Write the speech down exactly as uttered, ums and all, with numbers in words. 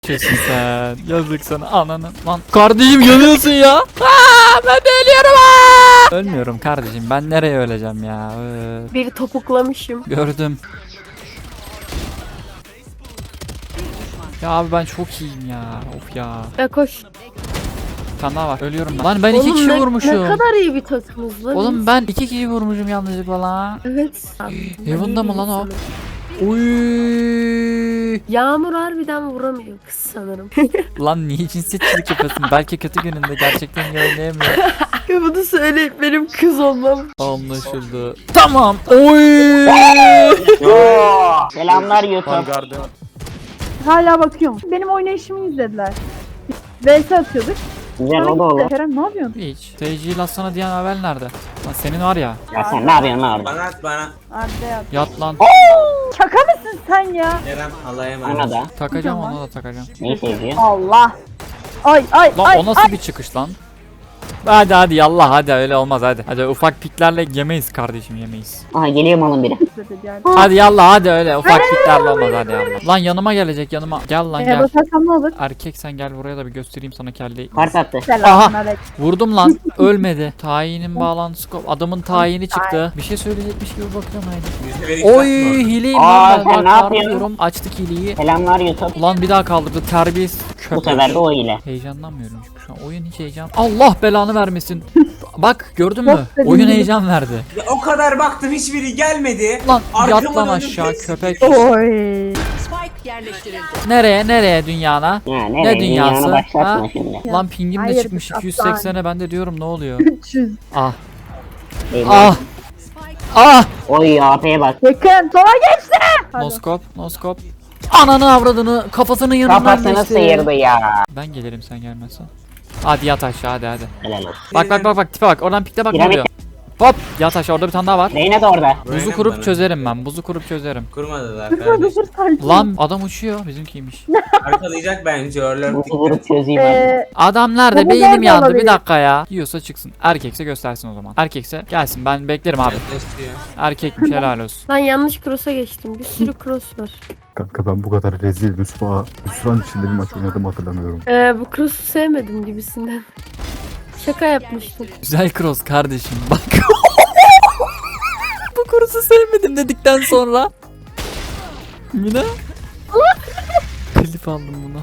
Kesin sen. Yazık sana ananı. Lan kardeşim yanıyorsun ya. Aa, ben de ölüyorum. Aa! Ölmüyorum kardeşim. Ben nereye öleceğim ya? Ee, Bir topuklamışım. gördüm. Ya abi ben çok iyiyim ya. Of ya. Ya koş. Bir tane daha var. Ölüyorum ben. Lan ben iki Oğlum kişi ne, vurmuşum. Ne kadar iyi bir takımız lan. Oğlum biz. ben iki kişi vurmuşum yanlışlıkla lan. Evet. Heaven'da mı lan o? Sanırım. Uy. Yağmur harbiden vuramıyor kız sanırım. Lan niye cinsiyetçilik yapıyorsun? Belki kötü gününde gerçekten iyi oynayamıyor. Ya bunu söyleyip benim kız olmam. Anlaşıldı. Tamam. Oy. Yoo. Selamlar YouTube. Hala bakıyorum. Benim oynayışımı izlediler. V S atıyorduk. Güzel Sonra o da olur. gitti. Kerem ne yapıyorsun? Hiç. Seyirciyi latsana diyen Abel nerede? Lan senin var ya. Ya sen ne yapıyorsun lan orada? Bana at bana. Arda yat. Yat lan. Şaka mısın sen ya? Eren Allah'a Ona emanet. da. Takacağım ona da takacağım. Neyi seviyor? Allah. Ay ay Lan ay. o nasıl bir çıkış lan? Hadi hadi yallah hadi öyle olmaz hadi. Hadi ufak piklerle yemeyiz kardeşim yemeyiz. Aha geliyor malın biri. Yani. Hadi yallah hadi öyle ufak piklerle olmaz hadi yallah. Lan yanıma gelecek yanıma. Gel lan Ee, gel. basarsam ne olur? Erkek sen gel buraya da bir göstereyim sana kelleyi. Kart attı. Selamünaleyküm. Vurdum lan. Ölmedi. Tayinin bağlantısı kop. Adamın tayini çıktı. Bir şey söyleyecekmiş gibi bakıyorum haydi. Yüzde bir Oy iki hileyim Aa, lan ben. sen Bak ne yapıyorsun? bağırıyorum. Açtık hileyi. Selamlar YouTube. Ulan bir daha kaldırdı. Terbiyesiz köpek. Bu sefer de o ile. Heyecanlanmıyorum çünkü şu an. Oyun hiç heyecan. Allah belanı vermesin. Bak gördün mü? Çok Oyun sevindim. heyecan verdi. Ya o kadar baktım hiçbiri gelmedi. Lan Arkamı yat lan döndüm, aşağı hepsi köpek. Oy. Nereye nereye dünyana? Ya Ne nereye? dünyası? Dünyanı başlatma Ha? şimdi. Lan pingim de Hayır, çıkmış aslan. iki yüz seksene ben de diyorum ne oluyor? üç yüz. Ah Eyvah. ah ah. Oy A P'ye bak. Yakın. Sola geçti. Pardon. Noskop noskop. Ananı avradını kafasının yanından Kafasını geçti. sıyırdı ya. Ben gelirim sen gelmezsen. Hadi yat aşağı hadi hadi. Helal olsun. Bak bak bak bak tipe bak oradan pikte bak ne Piramit. oluyor. Hop yat aşağı orada bir tane daha var. Reyna da orada. Buzu Aynen kurup bana. çözerim ben buzu kurup çözerim. Kurmadılar Dur kardeş. dur sakin. Lan adam uçuyor bizimkiymiş. Arkalayacak bence örler. Bu vurup çözeyim abi. Ee, Adam nerede? Bu Beynim nerede yandı bir olabilir? dakika ya. Yiyorsa çıksın. Erkekse göstersin o zaman. Erkekse gelsin ben beklerim abi. Yaklaşıyor. Erkekmiş helal olsun. Ben yanlış cross'a geçtim. Bir sürü cross var. Kanka ben bu kadar rezil rüsva, hüsran içinde bir maç oynadım hatırlamıyorum. Ee, bu cross'u sevmedim gibisinden. Şaka yapmıştım. Güzel cross kardeşim bak. Bu kurusu sevmedim dedikten sonra. Yine. Klip aldım bunu.